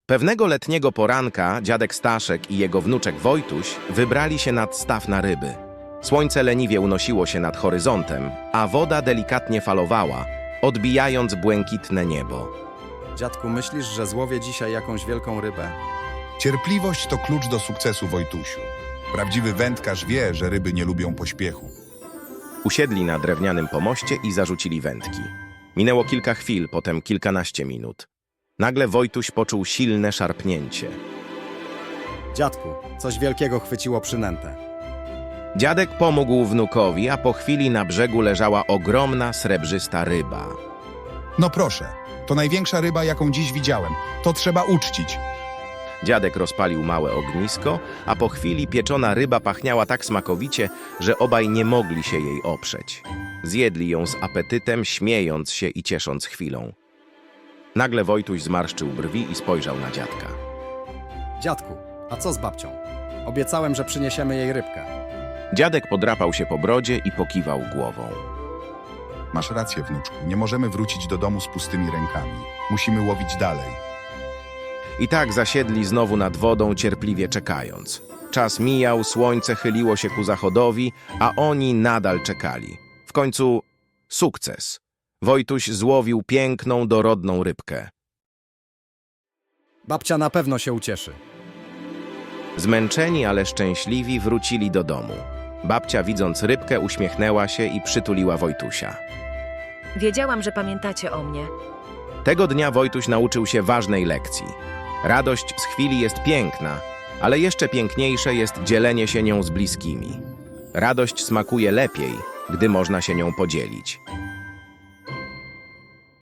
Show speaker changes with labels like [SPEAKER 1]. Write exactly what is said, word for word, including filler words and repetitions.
[SPEAKER 1] Pewnego letniego poranka dziadek Staszek i jego wnuczek Wojtuś wybrali się nad staw na ryby. Słońce leniwie unosiło się nad horyzontem, a woda delikatnie falowała, odbijając błękitne niebo.
[SPEAKER 2] Dziadku, myślisz, że złowię dzisiaj jakąś wielką rybę?
[SPEAKER 3] Cierpliwość to klucz do sukcesu, Wojtusiu. Prawdziwy wędkarz wie, że ryby nie lubią pośpiechu.
[SPEAKER 1] Usiedli na drewnianym pomoście i zarzucili wędki. Minęło kilka chwil, potem kilkanaście minut. Nagle Wojtuś poczuł silne szarpnięcie.
[SPEAKER 2] Dziadku, coś wielkiego chwyciło przynętę.
[SPEAKER 1] Dziadek pomógł wnukowi, a po chwili na brzegu leżała ogromna, srebrzysta ryba.
[SPEAKER 3] No proszę, to największa ryba, jaką dziś widziałem. To trzeba uczcić.
[SPEAKER 1] Dziadek rozpalił małe ognisko, a po chwili pieczona ryba pachniała tak smakowicie, że obaj nie mogli się jej oprzeć. Zjedli ją z apetytem, śmiejąc się i ciesząc chwilą. Nagle Wojtuś zmarszczył brwi i spojrzał na dziadka.
[SPEAKER 2] Dziadku, a co z babcią? Obiecałem, że przyniesiemy jej rybkę.
[SPEAKER 1] Dziadek podrapał się po brodzie i pokiwał głową.
[SPEAKER 3] Masz rację, wnuczku. Nie możemy wrócić do domu z pustymi rękami. Musimy łowić dalej.
[SPEAKER 1] I tak zasiedli znowu nad wodą, cierpliwie czekając. Czas mijał, słońce chyliło się ku zachodowi, a oni nadal czekali. W końcu sukces. Wojtuś złowił piękną, dorodną rybkę.
[SPEAKER 2] Babcia na pewno się ucieszy.
[SPEAKER 1] Zmęczeni, ale szczęśliwi wrócili do domu. Babcia, widząc rybkę, uśmiechnęła się i przytuliła Wojtusia.
[SPEAKER 4] Wiedziałam, że pamiętacie o mnie.
[SPEAKER 1] Tego dnia Wojtuś nauczył się ważnej lekcji. Radość z chwili jest piękna, ale jeszcze piękniejsze jest dzielenie się nią z bliskimi. Radość smakuje lepiej, gdy można się nią podzielić.